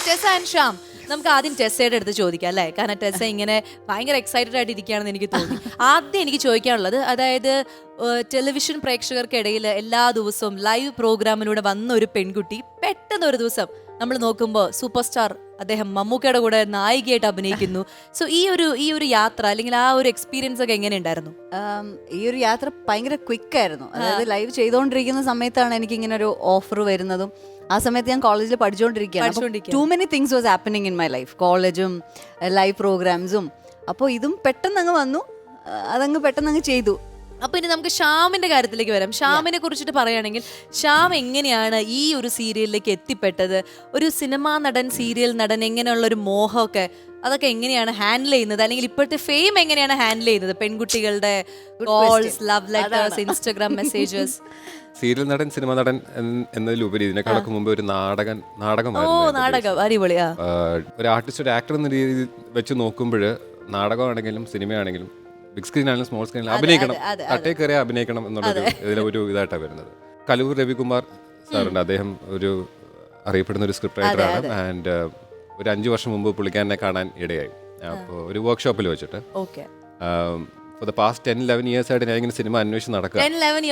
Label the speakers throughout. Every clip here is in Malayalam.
Speaker 1: ടെസ ആൻഡ് ശ്യാം, നമുക്ക് ആദ്യം ടെസ്സയുടെ അടുത്ത് ചോദിക്കാം അല്ലേ? കാരണം ടെസ്സ ഇങ്ങനെ ഭയങ്കര എക്സൈറ്റഡ് ആയിട്ട് ഇരിക്കുകയാണെന്ന് എനിക്ക് തോന്നി. ആദ്യം എനിക്ക് ചോദിക്കാനുള്ളത്, അതായത് ടെലിവിഷൻ പ്രേക്ഷകർക്കിടയിൽ എല്ലാ ദിവസവും ലൈവ് പ്രോഗ്രാമിലൂടെ വന്ന ഒരു പെൺകുട്ടി പെട്ടെന്ന് ഒരു ദിവസം നമ്മൾ നോക്കുമ്പോൾ സൂപ്പർ സ്റ്റാർ അദ്ദേഹം മമ്മൂക്കയുടെ കൂടെ നായികയായിട്ട് അഭിനയിക്കുന്നു. സോ ഈ ഒരു യാത്ര അല്ലെങ്കിൽ ആ ഒരു എക്സ്പീരിയൻസ് ഒക്കെ എങ്ങനെ ഉണ്ടായിരുന്നു?
Speaker 2: ഈ ഒരു യാത്ര ഭയങ്കര ക്വിക്കായിരുന്നു. അതായത് ലൈവ് ചെയ്തുകൊണ്ടിരിക്കുന്ന സമയത്താണ് എനിക്ക് ഇങ്ങനെ ഒരു ഓഫർ വരുന്നതും. ആ സമയത്ത് ഞാൻ കോളേജിൽ പഠിച്ചുകൊണ്ടിരിക്കുകയാണ്. Too many things was happening in my life. കോളേജും ലൈവ് പ്രോഗ്രാംസും. അപ്പോൾ ഇതും പെട്ടെന്ന് അങ്ങ് വന്നു, അതങ്ങ് പെട്ടെന്ന് അങ്ങ് ചെയ്തു.
Speaker 1: അപ്പൊ ഇനി നമുക്ക് ശ്യാമിന്റെ കാര്യത്തിലേക്ക് വരാം. ശ്യാമിനെ കുറിച്ചിട്ട് പറയുകയാണെങ്കിൽ, ശ്യാം എങ്ങനെയാണ് ഈ ഒരു സീരിയലിലേക്ക് എത്തിപ്പെട്ടത്? ഒരു സിനിമാ നടൻ, സീരിയൽ നടൻ, എങ്ങനെയുള്ള ഒരു മോഹമൊക്കെ അതൊക്കെ എങ്ങനെയാണ് ഹാൻഡിൽ ചെയ്യുന്നത്? അല്ലെങ്കിൽ ഇപ്പോഴത്തെ ഫെയിം എങ്ങനെയാണ് ഹാൻഡിൽ ചെയ്യുന്നത്? പെൺകുട്ടികളുടെ calls, love letters, Instagram messages.
Speaker 3: Serial നടൻ, സിനിമ നടൻ എന്നതിലുപരി ഇതിനെക്കാളൊക്കെ മുമ്പ് ഒരു നാടകം.
Speaker 1: അടിപൊളിയാ.
Speaker 3: ഒരു ആർട്ടിസ്റ്റ്, ഒരു ആക്ടർ എന്ന രീതിയിൽ വെച്ച് നോക്കുമ്പോൾ നാടകമാണെങ്കിലും സിനിമയാണെങ്കിലും ബിഗ് സ്ക്രീനാണെങ്കിലും സ്മോൾ സ്ക്രീനിലും അഭിനയിക്കണം, തട്ടേ കയറി അഭിനയിക്കണം എന്നുള്ളൊരു ഇതിലൊരു ഇതായിട്ടാണ് വരുന്നത്. കലൂർ രവികുമാർ സാറുണ്ട്, അദ്ദേഹം ഒരു അറിയപ്പെടുന്ന ഒരു സ്ക്രിപ്റ്റ് റൈറ്ററാണ്. ആൻഡ് ഒരു 5 വർഷം മുമ്പ് പുള്ളിക്കാരനെ കാണാൻ ഇടയായി. അപ്പോൾ ഒരു വർക്ക്ഷോപ്പിൽ വെച്ചിട്ട് ഫോർ ദ പാസ്റ്റ് 10-11 years ആയിട്ട് ഞാൻ ഇങ്ങനെ സിനിമ അന്വേഷിച്ച് നടക്കുക.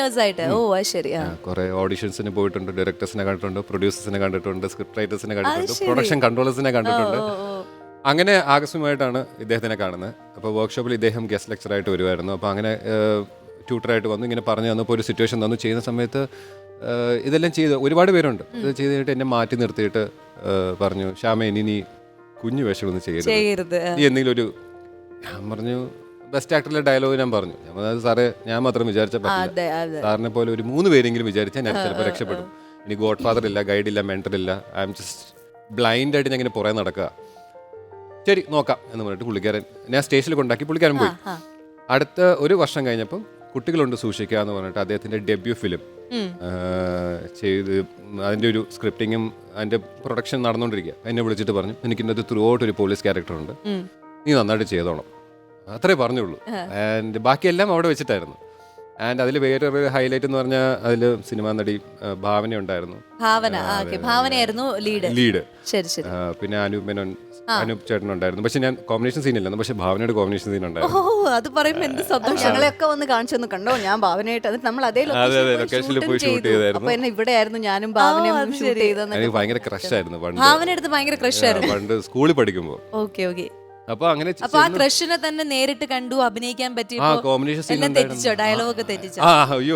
Speaker 3: കുറെ ഓഡിഷൻസിന് പോയിട്ടുണ്ട്, ഡയറക്ടേഴ്സിനെ കണ്ടിട്ടുണ്ട്, പ്രൊഡ്യൂസേഴ്സിനെ കണ്ടിട്ടുണ്ട്, സ്ക്രിപ്റ്റ് റൈറ്റേഴ്സിനെ കണ്ടിട്ടുണ്ട്, പ്രൊഡക്ഷൻ കൺട്രോളേഴ്സിനെ കണ്ടിട്ടുണ്ട്. അങ്ങനെ ആകസ്മികമായിട്ടാണ് ഇദ്ദേഹത്തിനെ കാണുന്നത്. അപ്പോൾ വർക്ക്ഷോപ്പിൽ ഇദ്ദേഹം ഗസ്റ്റ് ലെക്ചറായിട്ട് വരുമായിരുന്നു. അപ്പോൾ അങ്ങനെ ട്യൂട്ടറായിട്ട് വന്നു, ഇങ്ങനെ പറഞ്ഞു തന്നപ്പോൾ ഒരു സിറ്റുവേഷൻ തന്നു. ചെയ്യുന്ന സമയത്ത് ഇതെല്ലാം ചെയ്ത് ഒരുപാട് പേരുണ്ട്. ഇത് ചെയ്ത് കഴിഞ്ഞിട്ട് എന്നെ മാറ്റി നിർത്തിയിട്ട് പറഞ്ഞു, ശ്യാമേ ഇനി നീ കുഞ്ഞു വേഷമൊന്നും ചെയ്യരുത്, നീ എന്തെങ്കിലും ഒരു. ഞാൻ പറഞ്ഞു, ബെസ്റ്റ് ആക്ടറിലെ ഡയലോഗ് ഞാൻ പറഞ്ഞു. അതായത് സാറേ, ഞാൻ മാത്രം വിചാരിച്ചാൽ പറ്റില്ല, സാറിനെ പോലെ ഒരു 3 പേരെങ്കിലും വിചാരിച്ചാൽ ഞാൻ ചിലപ്പോൾ രക്ഷപ്പെടും. ഇനി ഗോഡ് ഫാദർ ഇല്ല, ഗൈഡില്ല, മെന്റർ ഇല്ല, ഐ എം ജസ്റ്റ് ബ്ലൈൻഡായിട്ട് ഞാൻ ഇങ്ങനെ പുറകെ നടക്കുക. ശരി നോക്കാം എന്ന് പറഞ്ഞിട്ട് പുള്ളിക്കാരൻ ഞാൻ സ്റ്റേഷനിൽ കൊണ്ടാക്കി, പുള്ളിക്കാരൻ പോയി. അടുത്ത ഒരു വർഷം കഴിഞ്ഞപ്പം കുട്ടികളുണ്ട് സൂക്ഷിക്കുക എന്ന് പറഞ്ഞിട്ട് അദ്ദേഹത്തിന്റെ ഡെബ്യൂ ഫിലിം ചെയ്ത് അതിൻ്റെ ഒരു സ്ക്രിപ്റ്റിങ്ങും അതിൻ്റെ പ്രൊഡക്ഷൻ നടന്നുകൊണ്ടിരിക്കുക. എന്നെ വിളിച്ചിട്ട് പറഞ്ഞു, എനിക്കിന്നത് ത്രൂ ഔട്ട് ഒരു പോലീസ് ക്യാരക്ടറുണ്ട്, നീ നന്നായിട്ട് ചെയ്തോണം. അത്രേ പറഞ്ഞുള്ളൂ. ആൻഡ് ബാക്കിയെല്ലാം അവിടെ വെച്ചിട്ടായിരുന്നു. ആൻഡ് അതിൽ വേറൊരു ഹൈലൈറ്റ് എന്ന് പറഞ്ഞാൽ അതിൽ സിനിമാ നടി ഭാവന ഉണ്ടായിരുന്നു.
Speaker 1: ഭാവനയായിരുന്നു
Speaker 3: ലീഡ്. പിന്നെ അനൂപ് ചേട്ടൻ ഉണ്ടായിരുന്നു. പക്ഷെ ഞാൻ കോമ്പിനേഷൻ സീൻ ഇല്ല, പക്ഷെ ഭാവനയുടെ കോമ്പിനേഷൻ സീൻ ഉണ്ടായിരുന്നു.
Speaker 2: ഞങ്ങളെയൊക്കെ വന്ന് കാണിച്ചു കണ്ടോ, ഞാൻ ഭാവനയായിട്ട് നമ്മൾ അതേ
Speaker 3: ലൊക്കേഷനിൽ പോയി ഷൂട്ട് ചെയ്തായിരുന്നു.
Speaker 2: ഇവിടെയായിരുന്നു ഞാനും ഭാവനയും ഷൂട്ട് ചെയ്തത്.
Speaker 3: എനിക്ക് ഭയങ്കര ക്രഷ് ആയിരുന്നു പണ്ട് സ്കൂളിൽ പഠിക്കുമ്പോൾ. അപ്പൊ അങ്ങനെ
Speaker 1: ആ ക്രഷിനെ തന്നെ നേരിട്ട് കണ്ടു, അഭിനയിക്കാൻ പറ്റിയ ഡയലോഗ് തെറ്റിച്ചോ?
Speaker 3: അയ്യോ,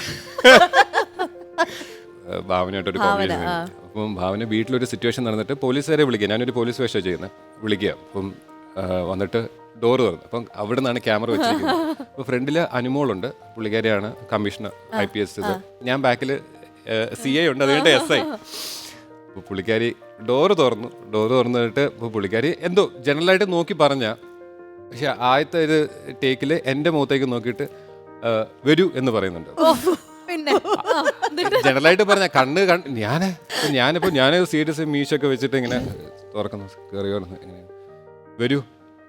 Speaker 3: ഭാവനയായിട്ടൊരു കോമ്പിനേഷൻ. അപ്പം ഭാവന വീട്ടിലൊരു സിറ്റുവേഷൻ നടന്നിട്ട് പോലീസുകാരെ വിളിക്കുക, ഞാനൊരു പോലീസ് വേഷം ചെയ്യുന്നത്, വിളിക്കുക. അപ്പം വന്നിട്ട് ഡോറ് തുറന്നു. അപ്പം അവിടെ നിന്നാണ് ക്യാമറ വെച്ചിരിക്കുന്നത്. അപ്പോൾ ഫ്രണ്ടിൽ അനുമോളുണ്ട്, പുള്ളിക്കാരിയാണ് കമ്മീഷണർ IPS. ഞാൻ ബാക്കിൽ CI ഉണ്ട്, അതുകൊണ്ട് SI. അപ്പോൾ പുള്ളിക്കാരി ഡോറ് തുറന്നിട്ട് ഇപ്പോൾ പുള്ളിക്കാരി എന്തോ ജനറലായിട്ട് നോക്കി പറഞ്ഞ, പക്ഷെ ആദ്യത്തെ ഒരു ടേക്കിൽ എൻ്റെ മുഖത്തേക്ക് നോക്കിയിട്ട് വരൂ എന്ന് പറയുന്നുണ്ട്. ജനറലായിട്ട് പറഞ്ഞ ഞാനിപ്പോൾ സീരിയസ് മീശൊക്കെ വെച്ചിട്ട് ഇങ്ങനെ തുറക്കുന്നു, കയറിയോ ഇങ്ങനെ വരൂ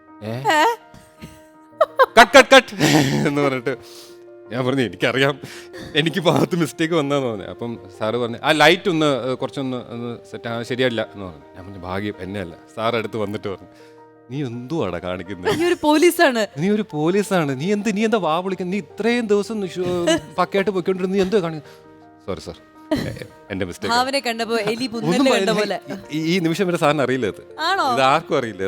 Speaker 3: കട്ട് എന്ന് പറഞ്ഞിട്ട് ഞാൻ പറഞ്ഞു, എനിക്കറിയാം, എനിക്ക് ഭാഗത്ത് മിസ്റ്റേക്ക് വന്നതെന്ന് പറഞ്ഞു. അപ്പം സാറ് പറഞ്ഞു, ആ ലൈറ്റ് കുറച്ചൊന്ന് സെറ്റ് ശരിയല്ല എന്ന് പറഞ്ഞു. ഞാൻ പറഞ്ഞു, ഭാഗ്യം എന്നെ അല്ല. സാർ അടുത്ത് വന്നിട്ട് പറഞ്ഞു, നീ എന്തുവാടാ കാണിക്കുന്നത്, നീ ഒരു പോലീസാണ്, നീ എന്താ വാ വിളിക്കുന്നത്, നീ ഇത്രയും ദിവസം പക്കയായിട്ട് പൊയ്ക്കൊണ്ടിരുന്നു, നീ എന്തോ കാണിക്കുന്നത്. സോറി സാർ, എന്റെ മിസ്റ്റേക്ക്. ഈ നിമിഷം വരെ സാറിന് അറിയില്ല, ഇത് ആർക്കും അറിയില്ല.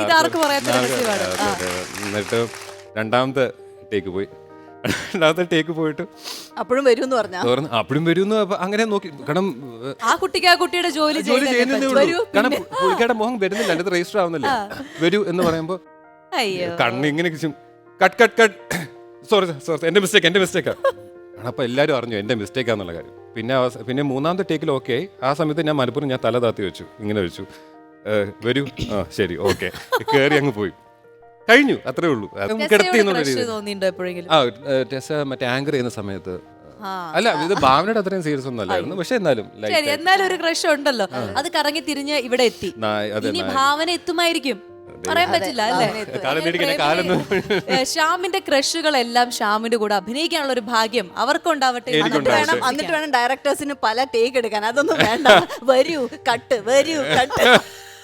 Speaker 3: എന്നിട്ട് രണ്ടാമത്തെ ടേക്ക് പോയിട്ട്
Speaker 2: അപ്പോഴും വരുമെന്ന്
Speaker 3: വരുമെന്ന് അങ്ങനെ നോക്കി. കാരണം
Speaker 1: ജോലി
Speaker 3: കാരണം പുള്ളിക്കാരുടെ മുഖം വരുന്നില്ല, അതിന്റെ രജിസ്റ്റർ ആവുന്നില്ല. വരൂ എന്ന് പറയുമ്പോ കണ്ണ് ഇങ്ങനെ കട്ട് സോറി എന്റെ മിസ്റ്റേക്കാ. അപ്പൊ എല്ലാരും അറിഞ്ഞു എന്റെ മിസ്റ്റേക്കാന്നുള്ള കാര്യം. പിന്നെ മൂന്നാമത്തെ ടേക്കിൽ ഓക്കെ ആയി. ആ സമയത്ത് ഞാൻ മനപ്പുറം ഞാൻ തല താത്തി വെച്ചു, ഇങ്ങനെ വെച്ചു, വരൂ, ശരി ഓക്കെ, കയറി അങ്ങ് പോയി, കഴിഞ്ഞു, അത്രേ ഉള്ളൂ. ടെസ മറ്റേ ആങ്കർ ചെയ്യുന്ന സമയത്ത് അല്ല, ഇത് ഭാവനയുടെ അത്രയും സീരിയസ് ഒന്നും അല്ലായിരുന്നു, പക്ഷെ എന്നാലും
Speaker 1: ഒരു ക്രഷ് ഉണ്ടല്ലോ, അത് കറങ്ങി തിരിഞ്ഞ് ഇവിടെ എത്തി. ഇനി ഭാവന എത്തുമായിരിക്കും, പറയാൻ പറ്റില്ല അല്ലേ? ശ്യാമിന്റെ ക്രഷുകളെല്ലാം ശ്യാമിന്റെ കൂടെ അഭിനയിക്കാനുള്ള ഒരു ഭാഗ്യം അവർക്കുണ്ടാവട്ടെ.
Speaker 2: എന്നിട്ട് വേണം ഡയറക്ടേഴ്സിന് പല ടേക്ക് എടുക്കാൻ. അതൊന്നും വേണ്ട, വരൂ കട്ട്.